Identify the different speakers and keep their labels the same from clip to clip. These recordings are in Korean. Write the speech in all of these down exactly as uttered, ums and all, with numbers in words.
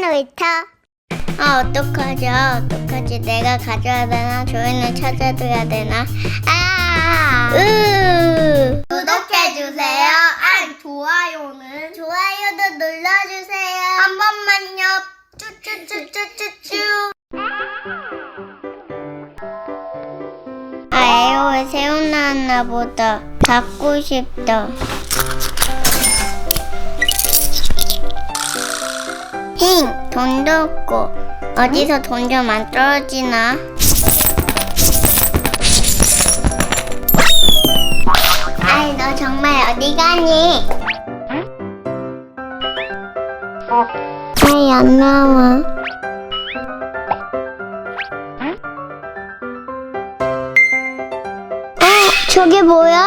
Speaker 1: 놀이터. 아, 어떡하지? 아, 어떡하지? 내가 가져야 되나? 주인을 찾아줘야 되나? 아! 으! 구독해주세요. 아, 좋아요는? 좋아요도 눌러주세요. 한 번만요. 쭈쭈쭈쭈쭈쭈. 아, 에어에 새우 나왔나 보다. 갖고 싶다. 힝! 돈도 없고 어디서 돈 좀 안 떨어지나? 아이, 너 정말 어디 가니? 아이, 안 나와. 어? 저게 뭐야?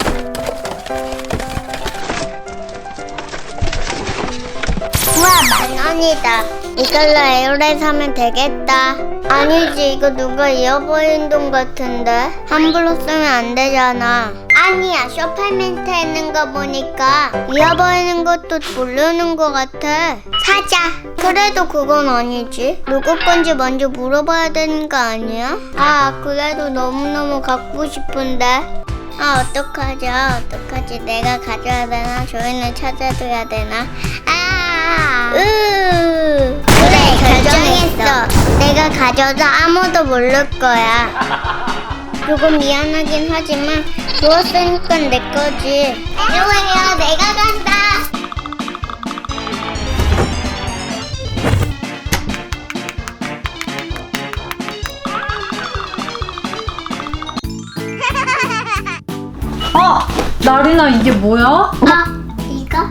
Speaker 1: 우와, 만 원이다. 이걸로 에어를 사면 되겠다. 아니지, 이거 누가 잃어버린 돈 같은데? 함부로 쓰면 안 되잖아. 아니야, 쇼파민트에 있는 거 보니까 잃어버리는 것도 모르는 거 같아. 사자. 그래도 그건 아니지. 누구 건지 먼저 물어봐야 되는 거 아니야? 아, 그래도 너무너무 갖고 싶은데. 아, 어떡하지? 아, 어떡하지? 내가 가져야 되나? 주인을 찾아줘야 되나? 아, 으. 그래, 결정했어. 내가 가져도 아무도 모를 거야. 조금 미안하긴 하지만 주웠으니까 내 거지. 에어에어, 내가 간다.
Speaker 2: 어! 나리나 이게 뭐야?
Speaker 1: 아, 이거?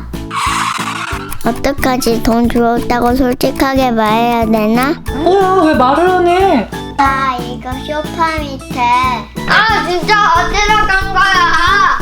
Speaker 1: 어떡하지? 돈 주웠다고 솔직하게 말해야 되나?
Speaker 2: 어, 왜 말을 안 해?
Speaker 1: 아, 이거 쇼파 밑에. 아, 진짜 어디로 간 거야?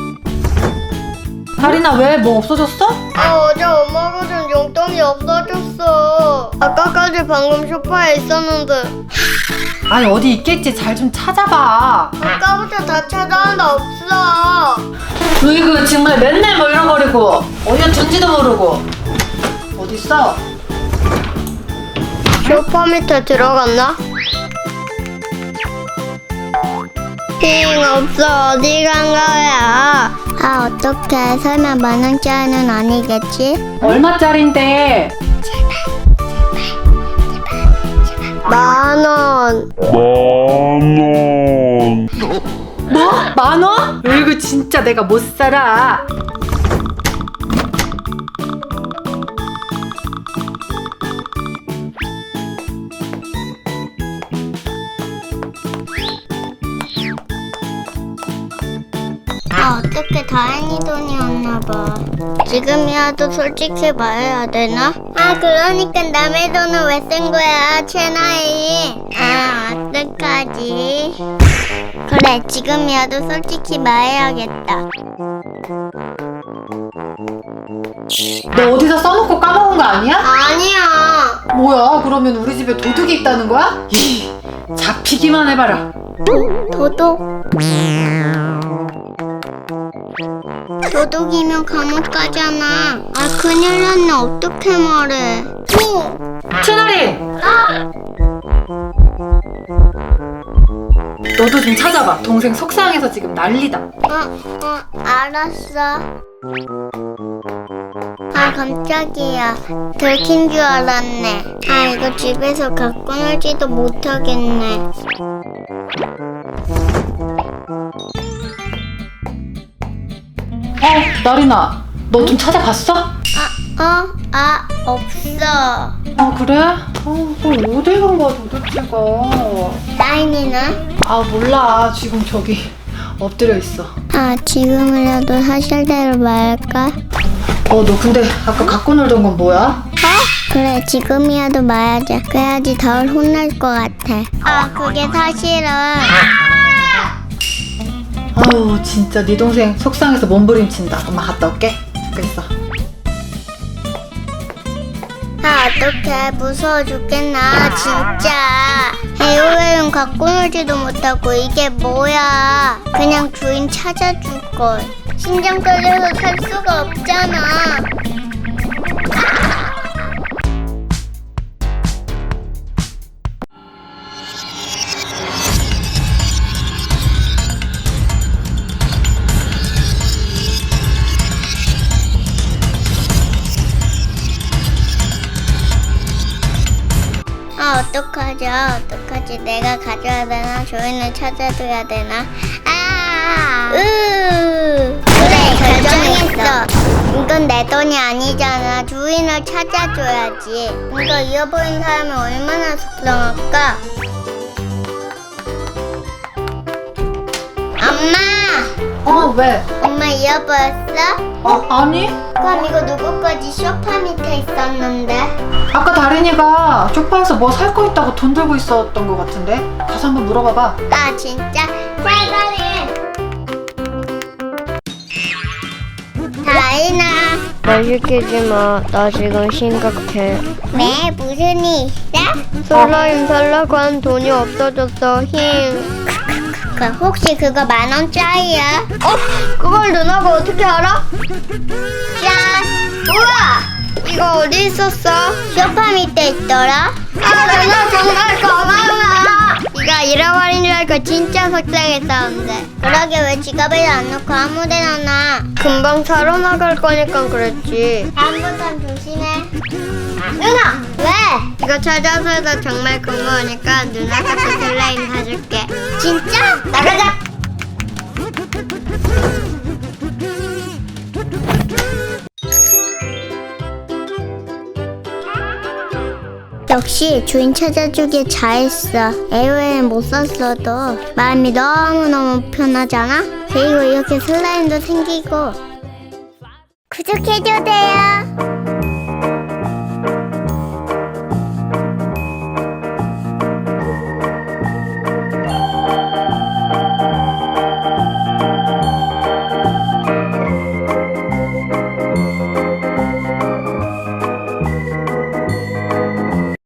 Speaker 2: 나리나 왜? 뭐 없어졌어?
Speaker 1: 아, 어제 엄마가 준 용돈이 없어졌어. 아까까지 방금 쇼파에 있었는데
Speaker 2: 아니 어디 있겠지. 잘 좀 찾아봐.
Speaker 1: 아까부터 다 찾아왔는데 없어.
Speaker 2: 으이구 정말 맨날 뭐 잃어버리고 어디에 둔지도 모르고. 어딨어?
Speaker 1: 쇼파 밑에 들어갔나? 힝, 없어. 어디 간 거야? 아, 어떡해. 설마 만 원짜리는 아니겠지?
Speaker 2: 얼마짜린데?
Speaker 1: 만 원.
Speaker 3: 만 원.
Speaker 2: 뭐? 만 원? 으이구 진짜 내가 못 살아.
Speaker 1: 아, 어떡해. 다행히 돈이 없나 봐. 지금이라도 솔직히 말해야 되나? 아, 그러니까 남의 돈을 왜 쓴 거야, 채나이. 아, 어떡하지? 그래, 지금이라도 솔직히 말해야겠다.
Speaker 2: 너 어디서 써놓고 까먹은 거 아니야?
Speaker 1: 아니야.
Speaker 2: 뭐야 그러면 우리 집에 도둑이 있다는 거야? 이 잡히기만 해봐라.
Speaker 1: 도, 도둑? 도둑이면 감옥 가잖아. 아, 큰일 났네. 어떻게 말해? 오!
Speaker 2: 채나리! 너도 좀 찾아봐. 동생 속상해서 지금 난리다.
Speaker 1: 어, 어, 알았어. 아, 깜짝이야. 들킨 줄 알았네. 아, 이거 집에서 갖고 놀지도 못하겠네.
Speaker 2: 어, 나리나, 너 좀 찾아봤어?
Speaker 1: 아, 어? 아, 없어.
Speaker 2: 아, 그래? 어, 그럼 어디 간 거야 도대체가?
Speaker 1: 라인이는?
Speaker 2: 아, 몰라. 지금 저기 엎드려 있어.
Speaker 1: 아, 지금이라도 사실대로 말할까?
Speaker 2: 어, 너 근데 아까 갖고 놀던 건 뭐야?
Speaker 1: 어? 그래, 지금이라도 말하자. 그래야지 덜 혼날 것 같아. 아, 그게 사실은.
Speaker 2: 아유, 진짜 네 동생 속상해서 몸부림친다. 엄마 갔다 올게. 잠깐 있어.
Speaker 1: 아, 어떡해. 무서워 죽겠나, 진짜. 에어웨어는 갖고 놀지도 못하고 이게 뭐야. 그냥 주인 찾아줄걸. 심장 떨려서 살 수가 없잖아. 어떡하죠? 어떡하지? 내가 가져야 되나? 주인을 찾아줘야 되나? 아, 으, 그래, 결정했어. 이건 내 돈이 아니잖아. 주인을 찾아줘야지. 이거 잃어버린 사람이 얼마나 속상할까? 엄마!
Speaker 2: 어, 왜?
Speaker 1: 엄마 잃어버렸어?
Speaker 2: 어, 아니?
Speaker 1: 그럼 이거 누구 거지? 소파 밑에 있었는데.
Speaker 2: 아까 다린이가 쇼파에서 뭐 살 거 있다고 돈 들고 있었던 것 같은데? 가서 한번 물어봐봐.
Speaker 1: 아, 진짜? 빨리! 다인아.
Speaker 3: 말 시키지 마. 나 지금 심각해.
Speaker 1: 왜? 무슨 일 있어?
Speaker 3: 슬라임 살라고 한 돈이 없어졌어. 힘.
Speaker 1: 그 혹시 그거 만 원짜리야?
Speaker 3: 어? 그걸 누나가 어떻게 알아?
Speaker 1: 짠! 우와!
Speaker 3: 이거 어디 있었어?
Speaker 1: 소파 밑에 있더라?
Speaker 3: 아, 누나 정말 고마워. 네가 잃어버린 줄 알고 진짜 속상했었는데.
Speaker 1: 그러게 왜 지갑에 안 넣고 아무 데나 놔?
Speaker 3: 금방 사러 나갈 거니까 그랬지.
Speaker 1: 다음부턴 조심해. 누나! 왜?
Speaker 3: 이거 찾아서도 정말 고마우니까 누나가 그 슬라임 사줄게.
Speaker 1: 진짜? 나가자! 역시 주인 찾아주길 잘했어. 에어에는 못 썼어도 마음이 너무너무 편하잖아? 그리고 이렇게 슬라임도 생기고 구독해줘도 돼요.